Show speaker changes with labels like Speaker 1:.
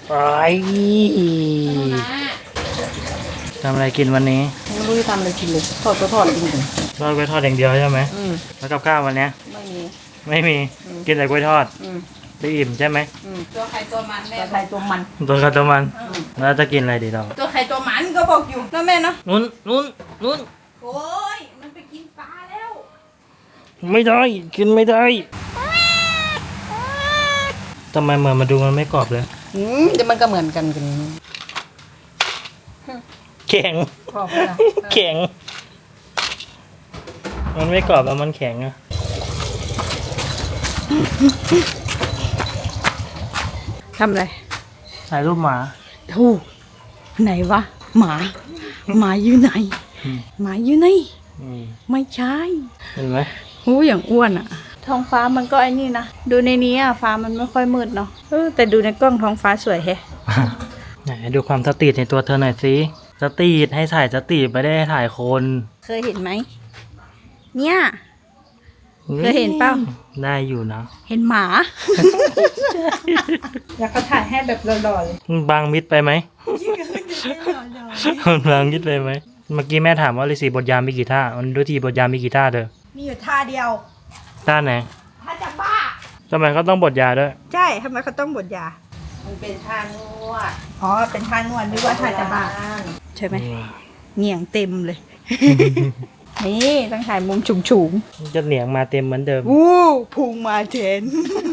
Speaker 1: ไอ้ทำอะไรกินวันนี้
Speaker 2: ไม่รู้จะทำอะไรกินเลยทอดก็ทอดกินเลย
Speaker 1: ทอดกล้วยทอดอย่างเดียวใช่ไหมแล้วกับข้าววันนี้ไม่มีกินแต่กล้วยทอดได้อิ่มใช่ไหม
Speaker 2: ตัวใครตัวมันแม่ตัวใครตัวมัน
Speaker 1: ตัวใครตัวมันแล้วจะกินอะไรดีเรา
Speaker 2: ตัวใครตัวมันก็บอกอยู่นะแม่เนาะ
Speaker 1: นู้น
Speaker 2: โอ้ยมันไปกินปลาแล้ว
Speaker 1: ไม่ได้กินไม่ได้ทำไมเหมือนมาดูมันไม่กรอบเลย
Speaker 2: เดี๋ยวมันก็เหมือนกัน
Speaker 1: แข็งแข็งมันไม่กรอบแล้วมันแข็งอะ
Speaker 2: ทำอะไร
Speaker 1: ถ่ายรูปหมา
Speaker 2: ถูกไหนวะหมาอยู่ไหนหมาอยู่ไหนไม่ใช่
Speaker 1: เห็นไหม
Speaker 2: หูอย่างอ้วนอะท้องฟ้ามันก็ไอ้นี่นะดูในนี้อะฟ้ามันไม่ค่อยมืดเนาะแต่ดูในกล้องท้องฟ้าสวยแฮะ
Speaker 1: ไหนดูความสตรีทในตัวเธอหน่อยสิสตรีทให้ถ่ายสตรีทไม่ได้ให้ถ่ายคน
Speaker 2: เคยเห็นไหมเนี่ยเคยเห็นเปล่า
Speaker 1: ได้อยู่นะ
Speaker 2: เห็นหมา แล้วก็ถ่ายให้แบบหล่อๆเลย
Speaker 1: บางมิดไปไหมบางมิดไปไหมเมื่อกี้แม่ถามว่าฤาษีบทยามมีกี่ท่ามันดูทีบทยามมีกี่ท่าเธอ
Speaker 2: มีอยู่ท่าเดียว
Speaker 1: ท่าไหน
Speaker 2: ท่าจะบ้า
Speaker 1: ทำไมเขาต้องบทยาด้วย
Speaker 2: ใช่ทำไมเขาต้องบทยามันเป็นท่านวดอ๋อเป็นท่านวดหรือว่าท่าจะบ้าใช่ไหมเหนียงเต็มเลยนี่ต้องถ่ายมุมฉุง
Speaker 1: จะเหนียงมาเต็มเหมือนเดิม
Speaker 2: อู้พุงมาเทน